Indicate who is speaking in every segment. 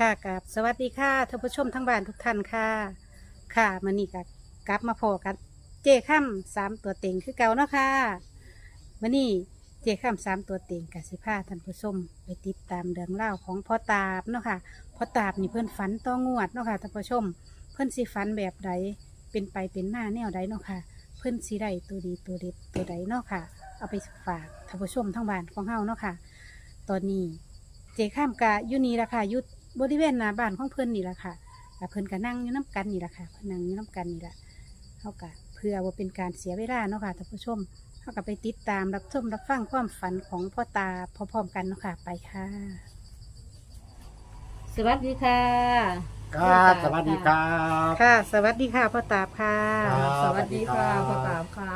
Speaker 1: ค่ะกับสวัสดีค่ะท่านผู้ชมทั้งบ้านทุกท่านค่ะค่ะมื้อนี้ก็กลับมาพอกันเจ้ค่ำสามตัวเต็งคือเก่าเนาะค่ะมื้อนี้เจ้ค่ำสามตัวเต็งกับสิพาท่านผู้ชมไปติดตามเรื่องเล่าวของพ่อตาบเนาะค่ะพ่อตาบนี่เพื่อนฝันต้องงวดเนาะค่ะท่านผู้ชมเพื่อนสิฝันแบบใดเป็นไปเป็นหน้าแนวใดเนาะค่ะเพื่อนสิได้ตัวดีตัวเด็ดตัวใดเนาะค่ะเอาไปฝากท่านผู้ชมทั้งบ้านของเฮาเนาะค่ะตอนนี้เจ้ข้ามกะอยู่นี่ละค่ะอยู่บริเวณหน้าบ้านของเพื่อนนี่ละค่ะแล้วเพื่อนก็นั่งอยู่น้ำกันนี่ละค่ะเพื่อนนั่งอยู่น้ำกันนี่ละเฮากะเพื่อว่าเป็นการเสียเวลาเนาะค่ะท่านผู้ชมเฮาก็ไปติดตามรับชมรับฟังความฝันของพ่อตาพร้อมๆกันเนาะค่ะไปค่ะ
Speaker 2: สวัสดีค่ะ
Speaker 3: ครับสวัสดีครับ
Speaker 1: ค่ะ สวัสดีค่ะพ่อตาบค่ะ
Speaker 3: ครับ
Speaker 2: สวัสดีค่ะ
Speaker 3: สวัสดีครับ
Speaker 2: พ่อตาบค่ะ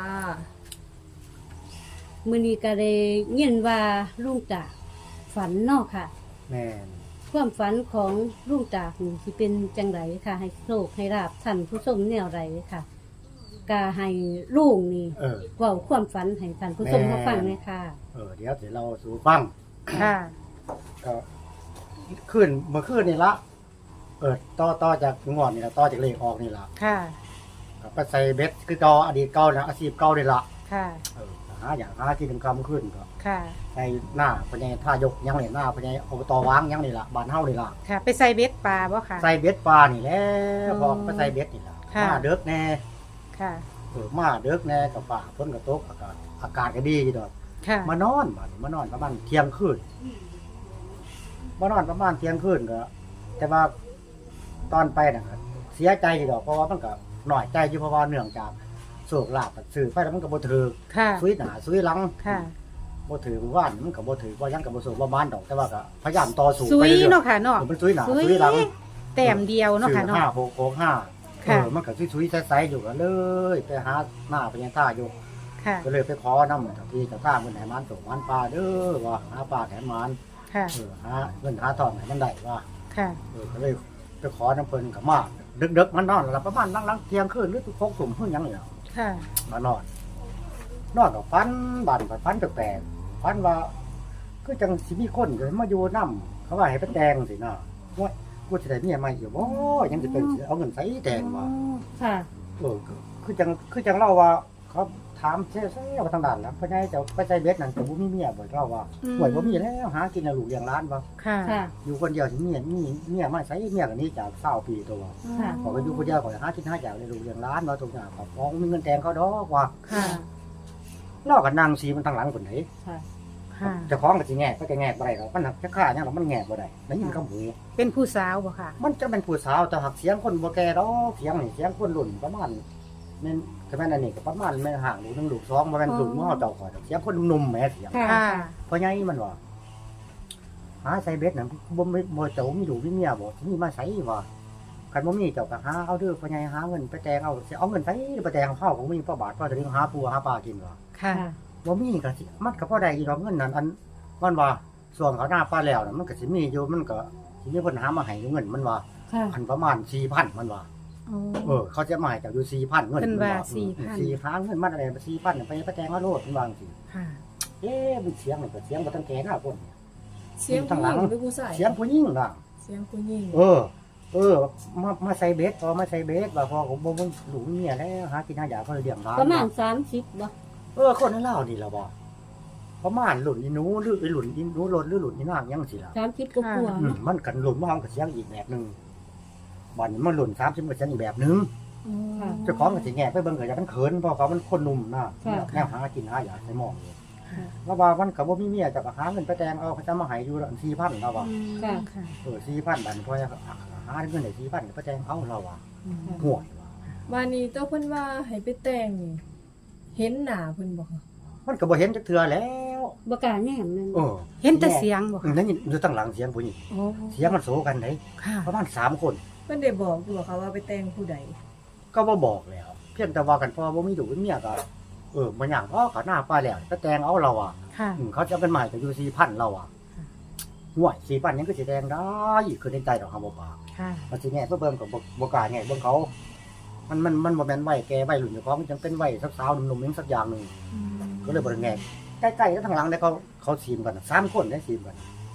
Speaker 2: มื้อนี้ก็ได้ยินว่าลุงจากฝันเนอกค่ะ
Speaker 3: แม่น
Speaker 2: ความฝันของลุงจากนี่สิเป็นจังไรค่ะ ให้โชคให้ลาบท่านผู้ชมแนวไรค่ะก็ให้ลุงนี่ เว้าความฝันให้ท่านผู้ชมมาฟังเลยค่ะ
Speaker 3: เดี๋ยวเราสู่ฟัง
Speaker 1: ค่ะ
Speaker 3: ก็ขึ้นเมื่อคืนนี่ละต่อจากงอนนี่ละต่อจากเลขออกนี่ละ
Speaker 1: ค่ะ
Speaker 3: ก็ไปใส่เบ็ดคือเก่าอดีตเก่านะอาชีพเก่านี่ละ
Speaker 1: ค่ะ
Speaker 3: หาที่เป็นคำขึ้นก็
Speaker 1: ค่ะ
Speaker 3: ใส่หน้าพญายท่ายกยังนี่หน้าพญายอบตวางยังนี่ละบ้านเฮานี่ละ
Speaker 1: ค่ะ ไปใส่เบ็ดปลาบ่ค่ะ
Speaker 3: ใส่เบ็ดปลานี่แหละ
Speaker 1: อ๋อ
Speaker 3: พอไปใส่เบ็ดนี่ละ
Speaker 1: ค่ะ
Speaker 3: มาเด็กแน่
Speaker 1: ค่ะ
Speaker 3: มาเด็กแน่กับป่าฝนก็ตกอากาศก็ดีอยู่ดอก
Speaker 1: ค่ะ
Speaker 3: มานอนประมาณเที่ยงคืนมานอนประมาณเที่ยงคืนก็ แต่ว่าตอนไปน่ะครับเสียใจอยู่ดอกเพราะว่ามันก็หน่อยใจอยู่เพราะว่าเนื่องจากโศกลาบสื่อไปแล้วมันก็บ่ถือ
Speaker 1: ค่ะ
Speaker 3: ซุยหนาซุยหลัง
Speaker 1: ค่ะ
Speaker 3: บ่ถือว่านมันก็บ่ถือว่ายังก็บ่สูบ่มานดอกแต่ว่าก็พยายามต่อสู้
Speaker 1: ซุ
Speaker 3: ไป
Speaker 1: ย
Speaker 3: เรื่อย
Speaker 1: เนาะค่ะเนาะ
Speaker 3: ๆมันซุยหนา
Speaker 1: ซุย
Speaker 3: ซุยหลัง
Speaker 1: แต้มเดียวเนาะค่ะเนาะ
Speaker 3: 5 6 6 5
Speaker 1: ค่ะ
Speaker 3: มันก็ซุยๆใสๆอยู่ก็เลยไปหาหน้าพญาท่าอยู่
Speaker 1: ค่ะ
Speaker 3: ก็เลยไปขอนำเจ้าที่เจ้าทางเพิ่นให้มันส่งมันปลาเด้อว่าหาปลาแถมมัน
Speaker 1: ค่ะ
Speaker 3: หาเงินหาทองให้มันได้ว่า
Speaker 1: ค่ะ
Speaker 3: ก็เลยไปขอน้ำเพิ่นกับมาดึกๆมันนอนแล้วประมาณนั่งเที่ยงคืนหรือ6 ทุ่มเพิ่นยังนี่ล่ะ
Speaker 1: ค่ะ
Speaker 3: มานอนกับฝันบ้านกับฝันแปลกๆฝันว่าคือจังสิมีคนมาอยู่นำเขาว่าให้ไปแต่งสิเนาะว่ากูสิได้เมียใหม่อยู่บ่ยังสิเป็นสิเอาเงินใส่แต่งว่า
Speaker 2: ค่ะ
Speaker 3: คือจังเล่าว่าเขาถามเซ่ๆว่าทางด้านแล้วเพิ่นให้เจ้าไปใส่เบ็ดนั่นก็บ่มีเมียบ่เล่าว่าห่วยบ่มีแล้วหากินแล้วลูกเลี้ยงหลานบ่
Speaker 1: ค่ะ
Speaker 2: ค่ะ
Speaker 3: อยู่คนเดียวสิมีเมียมาใส่เมียกันนี้จาก20 ปีตัว
Speaker 2: ค่ะ
Speaker 3: ขอไปอยู่คนเดียวขอหากินหาจากเลยลูกเลี้ยงหลานว่าทุกอย่างครับของมีเงินแต่งเขาดอกว่า
Speaker 1: ค่ะ
Speaker 3: เล่ากันนางสีมันทางหลังคนไหน
Speaker 2: ค่ะ
Speaker 1: ค่ะ
Speaker 3: เจะคล้าของก็สิแงกก็จะแงกบ่ได้หรอกมันหักจะฆ่าเนี่ยหรอกมันแงกบ่ได้ได้ยินคำหู
Speaker 1: เป็นผู้สาวบ่ค่ะ
Speaker 3: มันจะเป็นผู้สาวแต่หักเสียงคนบ่แก่ดอกเสียงนี่เสียงคนรุ่นประมาณแม่นก็แม่นอันนี้ก็ประมาณแม่นห่างลูก1ลูก2บ่แม่นลูกมื้อเฮาเจ้าขอดอกเสียงคนหนุ่มๆแหมเสียง
Speaker 2: ค่ะ
Speaker 1: ค่ะ
Speaker 3: เพราะไงมันว่าหาใส่เบ็ดน่ะบ่เจ้ามีลูกมีเมียบ่สิมีมาใส่ว่าคันบ่มีเจ้าก็หาเอาเด้อเพราะไงหาเงินไปแต่งเอาสิเอาเงินไปไปแต่งเอาข้าวของมีพ่อบาทพ่อจะเลี้ยงหาปูหาปลากินว่า
Speaker 1: ค่ะ
Speaker 3: บ่มีก็สิมันก็พอได้อยู่ดอกเงินนั่นอันมันว่าส่วนเขาหน้าปลาแล้วน่ะมันก็สิมีอยู่มันก็สิมีเพิ่นหามาให้อยู่เงินมันว่า
Speaker 2: ค่ะ
Speaker 3: อันประมาณ 4,000 มันว่าเขาจะมาให้เจ้าอยู่ 4,000 เงิน
Speaker 1: เพิ่นว่า
Speaker 3: 4,000 4หาเงินมาได้4,000ไปแต่งเอาโลดมันว่าจังซี่
Speaker 1: ค่ะ
Speaker 3: มันเสียงนี่ก็เสียงบ่ทันแก่หน้าคนเนี่ย
Speaker 4: เสียงผู้หญิงหรือผู้ชาย
Speaker 3: เสียงผู้หญิงล่ะ
Speaker 4: เสียงผู้หญิง
Speaker 3: มาใส่เบ็ดพอมาใส่เบ็ดว่าพอผมบ่หลูกเมียแล้วหากินหาอยากเขาเลี้ยงหลาน
Speaker 2: ประมาณ30บ่
Speaker 3: คนนั้นเล่านี่ล่ะบ่ประมาณหลุนอีหนูหรือไอ้หลุนอีหนูรถหรือหลุนอีนางยังสิล่ะ
Speaker 2: 30กว่าๆเนาะ
Speaker 3: มันกันหลุนมาเอากับเสียงอีกแบบหนึงบัดนี้มันหลุน30%อีกแบบหนึง
Speaker 2: ค่ะ
Speaker 3: เจ้าของก็สิแงกไปเบิ่งก็อย่ามันเขินเพราะเขามันคนหนุ่มนะ
Speaker 2: ค่ะ
Speaker 3: แนวหากินหาอยากใส่หม้ออยู่
Speaker 1: ค่ะ
Speaker 3: แล้วว่ามันก็บ่มีเมียจะก็หาเงินไปแต่งเอาเขาจะมาให้อยู่ละ4,000แล้วว่า
Speaker 2: ค่ะ
Speaker 1: ค่ะ
Speaker 3: 4,000บาทพอจะหาเงินได้4,000ไปแต่งเอาเราว่าห่วยว่า
Speaker 4: วันนี้เจ้าเพิ่นว่าให้ไปแต่งนี่เห็นหน้าเพิ่นบ่คะ
Speaker 3: มันก็บ่เห็นจักเทื่อแล้ว
Speaker 2: บ่กล้าแนมนั่น
Speaker 1: เห็นแต่เสียงบ่ค่ะ
Speaker 3: นั่นอยู่ตั้งหลังเสียงผู้หญิง
Speaker 1: โอ้
Speaker 3: เสียงมันโซกันได้
Speaker 1: ค่ะ
Speaker 3: ประมาณ3คน
Speaker 4: เพิ่นได้บอกอยู่บ่คะว่าไปแต่งผู้ใด
Speaker 3: ก็บ่บอกแล้ว เพียงแต่ว่ากันพอบ่มีลูกมีเมียก็บ่หยังก็หน้าป้าแล้วก็แต่งเอาเราอ่ะ
Speaker 1: ค่ะ
Speaker 3: เขาจะเป็นใหม่ก็อยู่4,000เราอ่ะห่วย4,000ยังก็สิแต่งได้คือในใจดอกคำบ่ปาก
Speaker 1: ค่ะ
Speaker 3: มันสิแง่เบิ่งก็บ่กล้าแง่เบิ่งเขา มันบ่แม่นวัยแก่วัยรุ่นเฉพาะมันจังเป็นวัยสาวๆหนุ่มๆจังสักอย่างนึงก็เลยบ่ได้แง่ใกล้ๆกันทางหลังแล้วเขาซีมกัน3คนได้ซีมกัน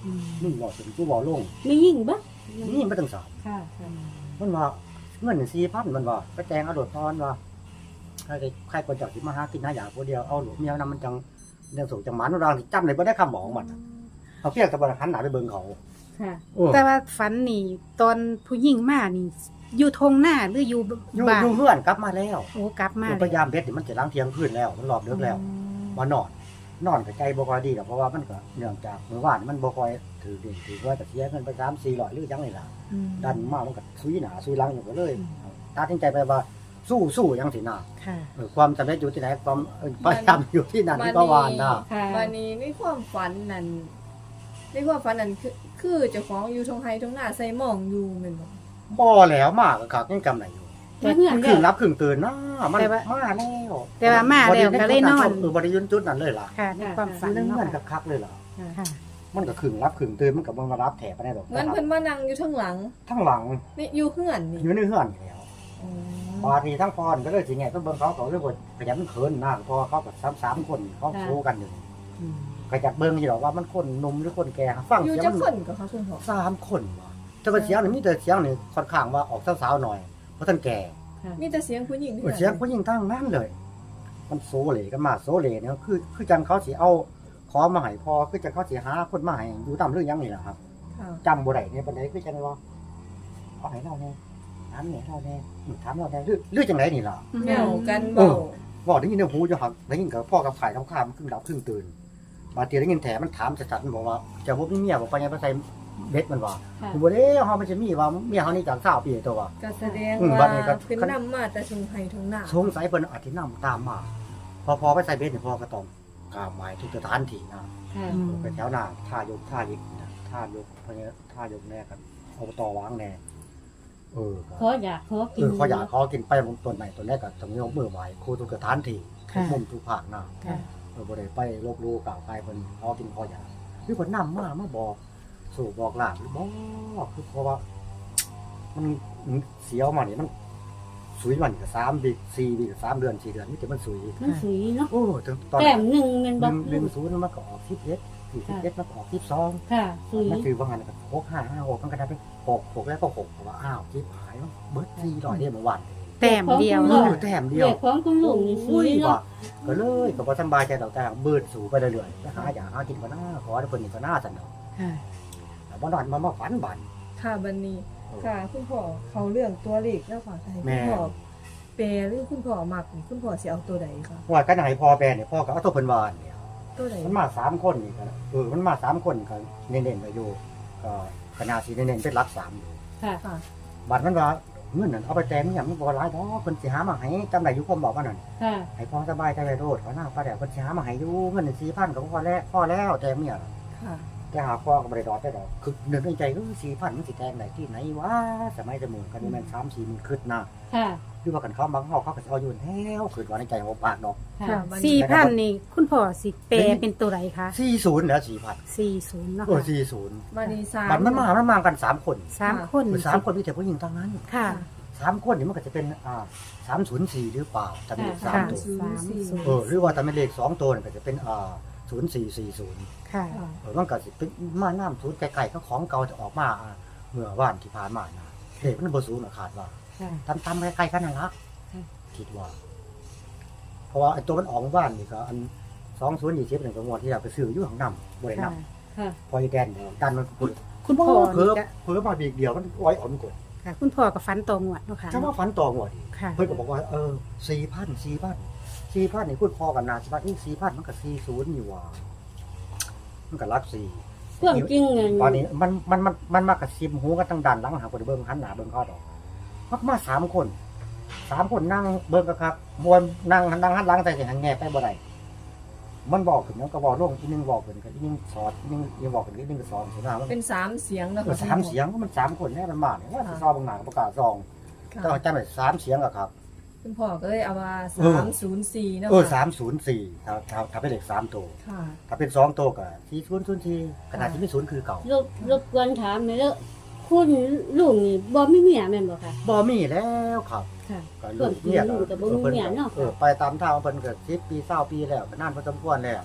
Speaker 3: นี่บอกถึงกูบอกลง
Speaker 2: ไม่ยิ่งบ่
Speaker 3: นี่ไม่ต้องสอบ
Speaker 2: ค่ะค่ะ
Speaker 3: มันว่าเงิน4,000มันว่าไปแต่งเอาโดดตอนว่าใครคนจากที่มาหากินหาอย่างคนเดียวเอาหลวงเมียนำมันจังเรื่องส่งจังหมันรางที่จำเลยไม่ได้คำบอกมันเขาเพียงแต่บริหันหนาไปเบิ่งเขา
Speaker 2: ค่ะ
Speaker 1: แต่ว่าฝันนี่ตอนผู้หญิงมานี่ อยู่ทงหน้าหรืออยู่
Speaker 3: อยู่
Speaker 1: บ้าน
Speaker 3: อยู่เพื่อนกลับมาแล้ว
Speaker 1: โอ้กลับมา
Speaker 3: พยายามเบ็ดนี่มันจะล้างเที่ยงคืนแล้วมันรอบเลิกแล้วมานอนกับใจบ่ค่อยดีหรอกเพราะว่ามันก็เนื่องจากเมื่อวานมันบ่ค่อยถือเด็กถือว่าแต่เสียเงินไป3-400หรือยังนี่ล่ะ
Speaker 1: อืม
Speaker 3: ดันมามันก็ซุยหนาซุยหลังอยู่ก็เลยตัดสินใจไปว่าสู้ยังสิน่ะ
Speaker 1: ค่ะ
Speaker 3: ความสำเร็จอยู่ที่ไหนความพยายามอยู่ที่นั่นที่ก็วานน่ะ
Speaker 2: ค่ะ
Speaker 4: วันนี้ในความฝันนั้นคือเจ้าของอยู่ทงไฮทงหน้าใส่หมองอยู่แม่นบ่
Speaker 3: บ่แล้วมากคักยังจำไหนอยู่
Speaker 2: มาเฮือน
Speaker 3: ครึ่
Speaker 2: แล้
Speaker 3: ง
Speaker 2: ว
Speaker 3: รับครึ่งตื่นนะมันมาแล้ว
Speaker 1: แต่ว่ามาแล้วก็เลยนอน
Speaker 3: บริยุนจุดนั้นเลยล่ะ
Speaker 1: ค่ะในความฝัน
Speaker 3: เรื่อง
Speaker 1: เนาะ
Speaker 3: เงิน
Speaker 1: ค่ะ
Speaker 3: คักๆเลยล่ะ
Speaker 1: ค่ะ
Speaker 3: มันก็ครึ่งรับครึ่งตื่นมันก็บ่มารับแถบไปได้ดอก
Speaker 4: งั้นเพิ่นมานั่งอยู่ทางหลัง
Speaker 3: ทั้งหลัง
Speaker 4: นี่อยู่เฮือนนี่
Speaker 3: อยู่ในเฮือนอยู่แล้ว
Speaker 4: อ๋อ
Speaker 3: บาดนี้ทั้งพรก็เลยสิไงต้องเบิ่งเขาเลยบ่ขยันเขินหน้าพอเขากับ3คนเขาโซกันอยู่
Speaker 1: อืม
Speaker 3: ก็อยากเบิ่งอยู่ดอกว่ามันคนหนุ่มหรือคนแก่ฟัง
Speaker 4: อยู่
Speaker 3: เสียง
Speaker 4: จัก
Speaker 3: มัน
Speaker 4: คนก็เขาคุณพ่อ
Speaker 3: 3คนว่ะแต่ว่าเสียงนี่มีแต่เสียงนี่ค่อนข้างว่าออกสาวๆหน่อยเพราะท่านแก่
Speaker 4: มีแต่เสียงผู้หญิง
Speaker 3: เสียงผู้หญิงทั้งนั้นเลย มันโซเลกันมาโซเลเนี่ยคือจังเขาสิเอาขอมาให้พอคือจังเขาสิหาคนมาให้อยู่ตามเรื่องยังนี่แหละครับ
Speaker 4: ค่ะ
Speaker 3: จำบ่ได้เนี่ยปานใดคือจังว่าเอาให้เราแน่ถามเนี่ยเราแน่ถามเราแน่หรือจังไดนี่ล่ะ
Speaker 4: แนวกันเบา
Speaker 3: บอกได้ยินในหูอยู่หักได้ยินกับพ่อกับฝ่ายกับข้ามครึ่งดับครึ่งตื่นบางทีได้ยินแถมันถามสัดๆมันบอกว่าจะบ่มีเมียบ่ไปยังไปใส่เบ็ดมันว่า
Speaker 2: ค่ะ
Speaker 3: บ่ได้เฮามันจะมีว่าเมียเฮานี่จัง20ปีตัวว่า
Speaker 4: ก็แสดง
Speaker 3: บั
Speaker 4: ว่า
Speaker 3: ดนี้ก็
Speaker 4: เพิ่นนำมาแต่ทงไฮทงหน้า
Speaker 3: สงสัยเพิ่นอาจสินำตามมาพอไปใส่เบ็ดนี่พ่อก็ต้องกราบไหว้ทุกสถานที่นะ
Speaker 2: ค่ะ
Speaker 1: อืม
Speaker 3: ไปแถวหน้าท่ายกท่ายิกนะท่ายกเพราะงี้ท่ายกแน่กันอบตวางแน่ก็
Speaker 2: ขออยากขอกิน
Speaker 3: เขาอยากขอกินไปต้นไหนต้นแรกก็ต้องยกมือไหว้ครูทุกสถานที่ทุกมุมทุกภาคนะ
Speaker 1: ค่ะ
Speaker 3: บ่ได้ไปลบลู่กล่าวไปเพิ่นขอกินขออยากคือเพิ่นนำมาบอกสู่บอกหลานหรือบ่คือเพราะว่า มันเสียวมานี่มันสุยมันก็3ปี4ปี3เดือน4เดือนนี่แต่มันสุย
Speaker 2: มันสวยเนาะ
Speaker 3: โอ้ถึงตอน
Speaker 2: แต้มหนึ่งแมันบ่
Speaker 3: 1 มันก็ออก11 41มันก็ออก12
Speaker 2: ค่ะสวย
Speaker 3: มันคือว่างันก็6 มันก็ได้เป็น6แล้วก็6เพราะว่าอ้าวจิ๊บหายเบิด400เด้เมื่อวาน
Speaker 1: แต้มเดียว
Speaker 3: เอ
Speaker 1: เนาะ
Speaker 3: อแต้มเดียว
Speaker 2: เด็กของคุณลุงนี่สวย
Speaker 3: ว่
Speaker 2: เนาะ
Speaker 3: ก็เลยก็บ่สำบายใจดอกแต่เบิดสู่ไปเรื่อยๆไปหาอยากหากินก็น่าขอให้เพิ่นนี่ก็น่าซั่นดอก
Speaker 1: ค่ะ
Speaker 3: แต่บ่นอนมาฝันบัด
Speaker 4: ค่ะบัดนี้ค่ะคุณพ่อเขาเรื่องตัวเลขแล้วค่ะให้คุณพ่อแปลหรือคุณพ่อมักนี่คุณพ่อสิเอาตัวใดคะ
Speaker 3: ว่ากันให้พ่อแปลนี่พ่อก็เอาตัวเพิ่นว่าเนี่ย
Speaker 4: ตัวใด
Speaker 3: มันมา3คนนี่ก็มันมา3คนก็เน้นๆไปอยู่ก็ขนาดสิเน้นๆเป็นหลัก3อยู่
Speaker 2: ค่ะ
Speaker 4: ค่ะ
Speaker 3: บัดมันว่าเงินนั่นเอาไปแต่งเนี่ยมันบ่หลายดอกเพิ่นสิหามาให้จำได้อยู่ความบอกว่านั่น
Speaker 2: ค่ะ
Speaker 3: ให้พ่อสบายใจไปโลดเขาหน้าป้าแดดเพิ่นสิหามาให้อยู่เงิน4,000ก็พอแล้วแต่เมีย
Speaker 4: ค่ะ
Speaker 3: แต่หาพ่อก็บ่ได้ดอกได้ดอกคือนึกในใจ4,000มันสิแต่งได้ที่ไหนวะสมัยสมุนกันนี่แม่น3-4มันคิดนะ
Speaker 2: ค่ะ
Speaker 3: หรือว่ากันเขาบางเฮาเขาก็สิเอาอยู่แล้วคิดว่าในใจของปากดอก
Speaker 2: ค่ะ
Speaker 4: ค่ะบัดนี้
Speaker 1: 4,000นี่คุณพ่อสิแปลเป็นตัวไหนคะ
Speaker 3: 40แล้ว4,000
Speaker 1: 40เนาะ
Speaker 3: เออ
Speaker 1: ค่ะ
Speaker 3: 40
Speaker 4: บัดนี้3
Speaker 3: มันมากัน3คน
Speaker 1: 3คน
Speaker 3: 3คนมีแต่ผู้หญิงทั้งนั้น
Speaker 1: ค่ะ
Speaker 3: 3คนนี่มันก็จะเป็น304หรือเปล่าจำเลข
Speaker 1: ค่ะ
Speaker 3: 3ตัว
Speaker 1: 30
Speaker 3: หรือว่าถ้าเป็นเลข2ตัวนี่ก็จะเป็น0440
Speaker 1: ค่ะ
Speaker 3: มันก็สิเป็นมาน้ำศูนย์ไกลๆก็ของเก่าจะออกมาเมื่อวานที่ผ่านมานะเด็กมันบ่สูงขาดว่า
Speaker 1: ค่ะ
Speaker 3: ตำๆไกลๆกันนั่นละ
Speaker 2: ค่ะ
Speaker 3: คิดว่า เพราะว่าไอ้ตัวมันออกเมื่อวานนี่ก็อัน2020นี่ก็งวดที่เราไปซื้ออยู่ข้างนำบ่ได้น
Speaker 1: ค่ะ
Speaker 2: ค่ะ
Speaker 3: ำพอไอ้แดนเนี่ยดันมันพุ่น
Speaker 1: คุณพ่อ
Speaker 3: เพิ่
Speaker 1: นี่
Speaker 3: ม
Speaker 1: ก็
Speaker 3: เพิ่มมาบีกเดียวมันอ้อยอ่อนกด
Speaker 1: ค่ะ คุณพ่อก็ฝันตองวดเนาะค่ะ
Speaker 3: ถ้าว่าฝันต่องวดอีก
Speaker 1: ค่ะ
Speaker 3: เพิ่นก็บอกว่า4,000นี่พูดพอกันนาสิว่า4,000มันก็40อยู่ว่ามันก็รัก4
Speaker 2: ความจริงเงิน
Speaker 3: ตอนนี้มันมากระซิบหูกันตั้งด่านหลังหาคนเบิ่งหันหน้าเบิ่งเขาดอกมา3 คนนั่งเบิ่งกันครับมวนนั่งหันหลังใส่สิหันแง่ไปบ่ได้มันบอกขึ้นแล้วก็บอกลงอีนึงบอกขึ้นก็อีนึงสอดอีนึงบอกขึ้นอีนึงก็สอนสินะมัน
Speaker 4: เป็น3เสียงแล้ว
Speaker 3: สามเสียงมัน3คนแน่มันมาเนี่ยว่าสิซอเบิ่งหน้าก็ประกาศซอง
Speaker 4: ค่ะ
Speaker 3: ต้องจำได้3เสียงอะครับ
Speaker 4: คุณพ่อก็เลยเอาว่า304เนาะ
Speaker 3: 304ถ้าเป็นเลข3ตัว
Speaker 4: ค่ะ
Speaker 3: ถ้าเป็น2ตัวก็4004ขนาดที่มี0คือเก่าร
Speaker 2: บกวนถามหน่อยเด้อคุณลุงนี่บ่มีเมียแม่นบ่ค่ะ
Speaker 3: บ่มีแล้วครับ
Speaker 2: ค่ะ
Speaker 3: ก็ลูกเนี่ย
Speaker 2: ลูกก็บ่มีเมียเนาะ
Speaker 3: ไปตามทางเพิ่นก็10 ปี20 ปีแล้วก็นานพอสมควรแล้ว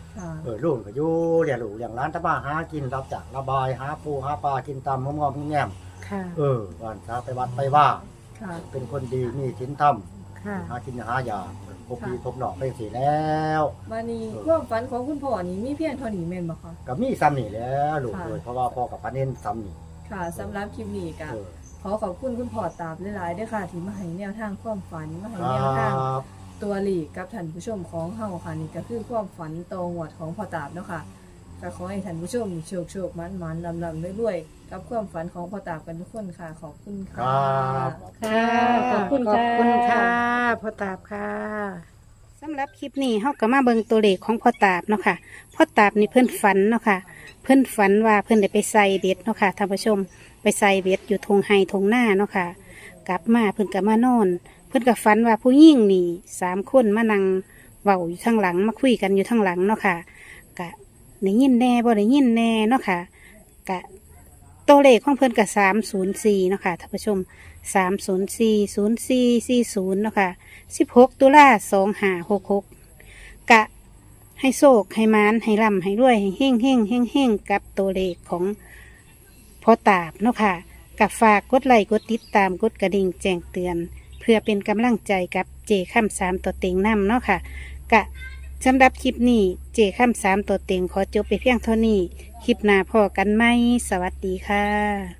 Speaker 4: ค่ะ
Speaker 3: ลูกก็อยู่เลี้ยงลูกเลี้ยงหลานตะบ้าหากินรับจากระบายหาปูหาปลากินตามงอมๆแง่ม
Speaker 1: ค่ะ
Speaker 3: วันเช้าไปวัดไปว่า
Speaker 4: ค่ะ
Speaker 3: เป็นคนดีมีศีลธรรม
Speaker 1: ค่ะ
Speaker 3: หากินหายาพบพี่พบน้องไปสิแล้ว
Speaker 4: มานี่ความฝันของคุณพ่อนี่มีเพียงเท่านี้แม่นบ่คะ
Speaker 3: ก็มีซ้ำนี่แหล้วลูก
Speaker 4: ค่ะ
Speaker 3: เลยเพราะว่าพ่อกับป้าเน้นซ้ำนี่
Speaker 4: ค่ะสำหรับคลิปนี้ก็
Speaker 3: เออ
Speaker 4: ขอขอบคุณคุณพ่อตาบหลายๆด้วยค่ะที่มาให้แนวทางความฝันมาให้
Speaker 3: ครั
Speaker 4: แนวทาง
Speaker 3: บ
Speaker 4: ตัวหลีกกับท่านผู้ชมของเฮาค่ะนี่ก็คือความฝันโตหวดของพ่อตาบเนาะค่ะก็ขอให้ท่านผู้ชมโชคโชคมันลำๆรวยๆกับความฝันของพ่อตาบกันทุกคนค่ะ ขอบคุณ
Speaker 3: ค
Speaker 4: ค่ะ
Speaker 3: รับ
Speaker 2: ค่ะขอบคุณ
Speaker 1: ขอบคุณ
Speaker 2: ค่ะ
Speaker 1: ค่ะพ่อตาบค่ะสำหรับคลิปนี้เฮาก็มาเบิ่งตัวเลขของพ่อตาบเนาะค่ะพ่อตาบนี่เพิ่นฝันเนาะค่ะ เพิ่นฝันว่าเพิ่นได้ไปใส่เบ็ดเนาะค่ะท่านผู้ชมไปใส่เบ็ดอยู่ทงไฮทงหน้าเนาะค่ะ กลับมาเพิ่นก็มานอน เพิ่นก็ฝันว่าผู้หญิงนี่3 คนมานั่งเว้าอยู่ข้างหลังมาคุยกันอยู่ข้างหลังเนาะค่ะกะได้ยินแน่บ่ได้ยินแน่เนาะค่ะกะตัวเลขของเพิ่นก็304เนาะค่ะท่านผู้ชม3040440เนาะค่ะ16 ตุลา2566กะให้โชคให้มานให้ร่ำให้รวยให้เฮ่งเฮ่งเฮ่งเฮ่งกับตัวเลขของพ่อตาบเนาะค่ะกับฝากกดไลค์กดติดตามกดกระดิ่งแจ้งเตือน เพื่อเป็นกำลังใจกับเจค่ำ3ตัวเต็งนำเนาะค่ะกะสำหรับคลิปนี้เจค่ำ3ตัวเต็งขอจบไปเพียงเท่านี้ คลิปหน้าพอกันไหมสวัสดีค่ะ